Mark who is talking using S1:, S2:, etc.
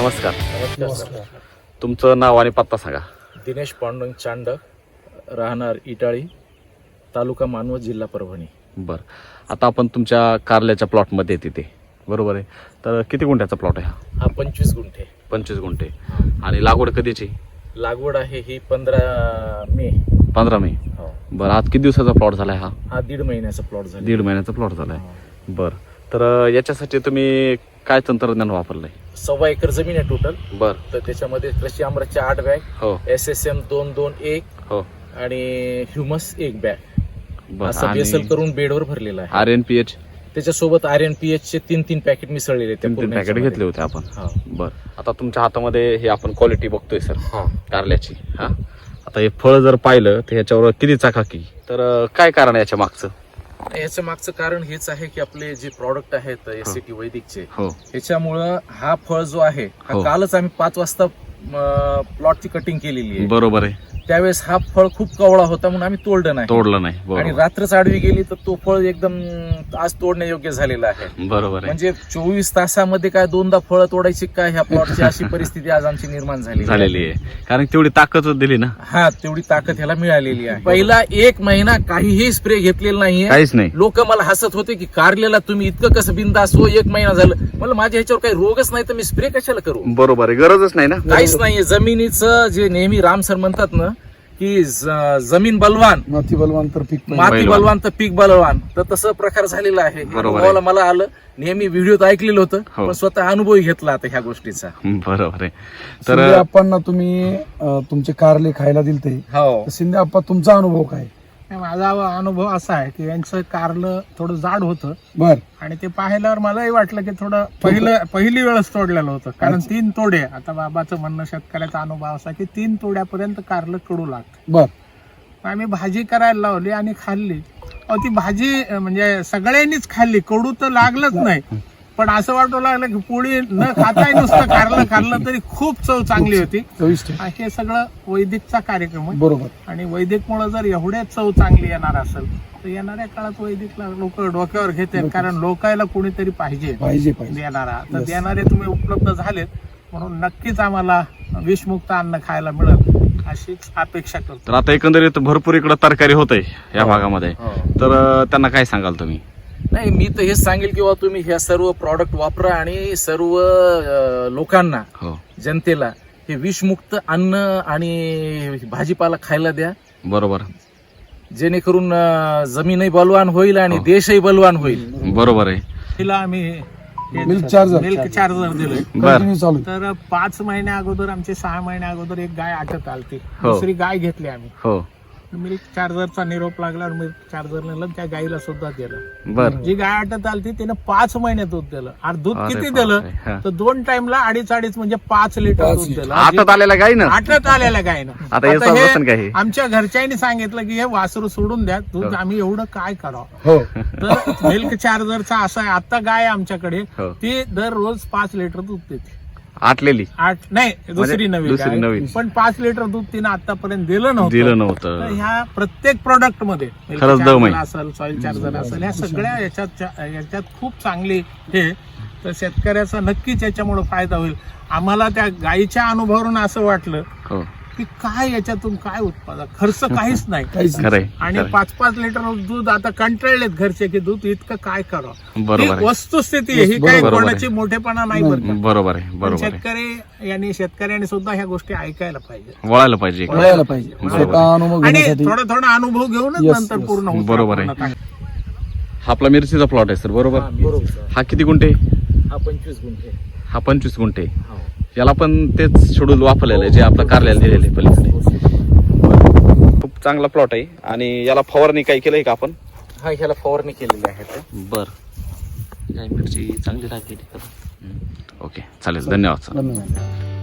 S1: नमस्कार.
S2: नमस्कार.
S1: तुमचं नाव आणि पत्ता सांगा.
S2: दिनेश पांडुरंग चांड, राहणार इटाळी, तालुका मानवत, जिल्हा परभणी.
S1: बरं, आता आपण तुमच्या कारल्याच्या प्लॉटमध्ये तिथे बरोबर आहे. तर किती गुंठ्याचा प्लॉट आहे
S2: हा 25 गुंठे.
S1: 25 गुंठे. आणि लागवड कधीची?
S2: लागवड आहे ही 15 मे.
S1: 15 मे.
S2: हो.
S1: बरं, आज किती दिवसाचा प्लॉट झाला हा?
S2: हा 1.5 महिन्याचा प्लॉट झाला.
S1: 1.5 महिन्याचा प्लॉट झालाय. बरं, तर याच्यासाठी तुम्ही काय तंत्रज्ञान वापरलंय?
S2: 1.25 एकर जमीन आहे टोटल.
S1: बरं.
S2: तर त्याच्यामध्ये कृषी अमृतच्या 8 बॅग,
S1: हो
S2: SSM 221
S1: हो.
S2: आणि ह्युमस 1 बॅग
S1: बरं.
S2: असं बेसल करून बेडवर भरलेला आहे.
S1: RNPH
S2: त्याच्यासोबत RNPH चे 3 पॅकेट मिसळलेले.
S1: 3 पॅकेट घेतले होते आपण.
S2: हा.
S1: बरं, आता तुमच्या हातामध्ये हे आपण क्वालिटी बघतोय सर
S2: हा.
S1: कारल्याची. हा, आता हे फळ जर पाहिलं तर ह्याच्यावर किती चाकाकी, तर काय कारण आहे याच्या मागचं?
S2: याचं मागचं कारण हेच आहे की आपले जे प्रॉडक्ट आहेत SCT वैदिकचे,
S1: हो
S2: ह्याच्यामुळं हा फळ जो आहे हा
S1: हो.
S2: कालच आम्ही 5 वाजता प्लॉटची कटिंग केलेली आहे.
S1: बरोबर आहे.
S2: त्यावेळेस हा फळ खूप कवळा होता म्हणून आम्ही तोडलं नाही.
S1: तोडलं नाही.
S2: आणि
S1: बरोबर
S2: रात्रच आडवी गेली तर तो फळ एकदम आज तोडण्यायोग्य झालेला आहे.
S1: बरोबर आहे.
S2: म्हणजे 24 तासामध्ये काय 2दा फळं तोडायची काय ह्या प्लॉटची अशी परिस्थिती आज आमची निर्माण
S1: झालेली आहे. कारण तेवढी ताकद दिली ना.
S2: हा, तेवढी ताकद ह्याला मिळालेली आहे. पहिला 1 महिना काहीही स्प्रे घेतलेला नाहीये.
S1: काहीच नाही.
S2: लोक मला हसत होते की कारलेला तुम्ही इतकं कसं बिंदास हो, 1 महिना झालं. मला माझ्या ह्याच्यावर काही रोगच नाही तर मी स्प्रे कशाला करू?
S1: बरोबर आहे, गरजच नाही ना.
S2: काहीच नाहीये. जमिनीचं जे नेहमी राम सर म्हणतात ना की जमीन बलवान,
S3: माती बलवान तर पीक
S2: माती बलवान तर पीक बलवान, तर तसं प्रकार झालेला आहे.
S1: बरोबर आहे.
S2: अनुभवाला मला आलं. नेहमी व्हिडिओत ऐकलेलं होतं,
S1: हो.
S2: पण स्वतः अनुभवही घेतला आता ह्या गोष्टीचा.
S1: बरोबर आहे.
S3: तर
S1: तर
S3: आपण तुम्ही तुमचे कारले खायला दिलते.
S2: हो.
S3: शिंदे आप्पा, तुमचा अनुभव काय?
S4: माझा अनुभव असा आहे की यांचं कारलं थोडं जाड होतं
S3: बर.
S4: आणि ते पाहिल्यावर मलाही वाटलं की थोडं पहिली वेळच तोडलेलं होतं. कारण 3 तोडे, आता बाबाचं म्हणणं, शेतकऱ्याचा अनुभव असा की 3 तोड्यापर्यंत कारलं कडू लागतं.
S3: बर.
S4: आम्ही भाजी करायला लावली आणि खाल्ली. ती भाजी म्हणजे सगळ्यांनीच खाल्ली, कडू तर लागलंच नाही. पण असं वाटू लागलं की पोळी न खाताही नुसतं कारलं खाल्लं तरी खूप चव चांगली होती.
S3: चविष्ट.
S4: हे सगळं वैदिकचा कार्यक्रम आहे.
S3: बरोबर.
S4: आणि वैदिकमुळे जर एवढे चव चांगली येणार असेल तर येणाऱ्या काळात वैदिकला लोक डोक्यावर घेतील. कारण लोकायला कोणीतरी पाहिजे देणारा. तर देणारे तुम्ही उपलब्ध झालेत म्हणून नक्कीच आम्हाला विषमुक्त अन्न खायला मिळेल अशीच अपेक्षा करतो.
S1: तर आता एकंदरीत भरपूर इकडं तरकारी होत आहे या भागामध्ये.
S2: हो.
S1: तर त्यांना काय सांगाल तुम्ही?
S2: नाही, मी तर हेच सांगेल किंवा तुम्ही ह्या सर्व प्रॉडक्ट वापरा आणि सर्व लोकांना,
S1: हो
S2: जनतेला हे विषमुक्त अन्न आणि भाजीपाला खायला द्या.
S1: बरोबर.
S2: जेणेकरून जमीनही बलवान होईल आणि
S1: हो.
S2: देशही बलवान होईल.
S1: बरोबर आहे.
S4: तिला आम्ही
S3: मिल्क चार्जर
S4: दिलोय.
S1: बर.
S3: चालू.
S4: तर 5 महिन्या अगोदर, आमचे 6 महिन्या अगोदर एक गाय आटत आलती.
S1: हो.
S4: दुसरी गाय घेतली आम्ही.
S1: हो.
S4: मिल्क चार्जरचा निरोप लागल्यावर मिल्क चार्जर नेलं, त्या गाईला सुद्धा दिलं.
S1: बर.
S4: जी गाय आटत आलती तिने 5 महिने दूध दिलं. आणि दूध
S1: अरे
S4: किती
S1: बापरे.
S4: दिलं
S1: हा.
S4: तर 2 टाइमला 2.5 म्हणजे 5 लिटर दूध दिलं.
S1: आटत आलेला गाय ना.
S4: आटत आलेल्या गायनं.
S1: आता हे
S4: आता
S1: समजतं का हे?
S4: आमच्या घरच्यांनी सांगितलं की हे वासरू सोडून द्या दूध, आम्ही एवढं काय करावं.
S3: हो.
S4: तर मिल्क चार्जरचा असा आहे, आता गाय आमच्याकडे
S1: हो.
S4: ती दररोज 5 लिटर दूध देते.
S1: आटलेली
S4: 8 नाही, दुसरी नवी
S1: दुसरी
S4: गाय.
S1: नवी.
S4: पण 5 लिटर दूध तिनं आतापर्यंत दिलं नव्हतं.
S1: दिलं
S4: तर
S1: नव्हतं.
S4: ह्या प्रत्येक प्रोडक्ट मध्ये milk
S1: खरंच दम
S4: charger
S1: आहे.
S4: असेल, सॉइल चार्जर असेल, ह्या सगळ्या याच्यात खूप चांगली हे. तर शेतकऱ्याचा नक्कीच याच्यामुळे फायदा होईल. आम्हाला त्या गायीच्या अनुभवावरून असं वाटलं
S1: हो.
S4: की काय याच्यातून काय उत्पादन, खर्च काहीच नाही.
S1: खरंय.
S4: आणि 5-5 लिटर दूध आता कंटाळलेत घरचे की दूध इतकं काय करावं.
S1: बरोबर आहे.
S4: वस्तुस्थिती आहे ही, काही
S1: बरोबर आहे.
S4: कोणाची मोठेपणा नाही बरं का.
S1: बरोबर आहे.
S4: पण
S1: बरोबर आहे.
S4: शेतकऱ्यांनी सुद्धा ह्या गोष्टी ऐकायला पाहिजे.
S1: वळायला पाहिजे.
S3: वळायला पाहिजे.
S1: बरोबर.
S3: स्वतः अनुभव
S4: आणि
S3: घेण्यासाठी.
S4: थोडा अनुभव घेऊनच
S3: Yes,
S4: नंतर
S3: yes.
S4: पूर्ण होतं.
S1: बरोबर आहे.
S4: पूर्ण
S1: हा आपला मिरचीचा प्लॉट आहे सर, बरोबर. हा किती गुंठे?
S2: हा 25 गुंठे.
S1: हा 25 गुंठे.
S2: हो.
S1: याला पण तेच शेड्यूल वापरलेलं आहे जे आपलं कारल्याला दिलेलं आहे पलीकडे. खूप चांगला प्लॉट आहे. आणि याला फवारणी काही केलंय का आपण?
S2: हा, ह्याला फवारणी केलेली आहे.
S1: बर. मिरची चांगली राहते. ओके, चालेल. धन्यवाद सर.
S3: धन्यवाद.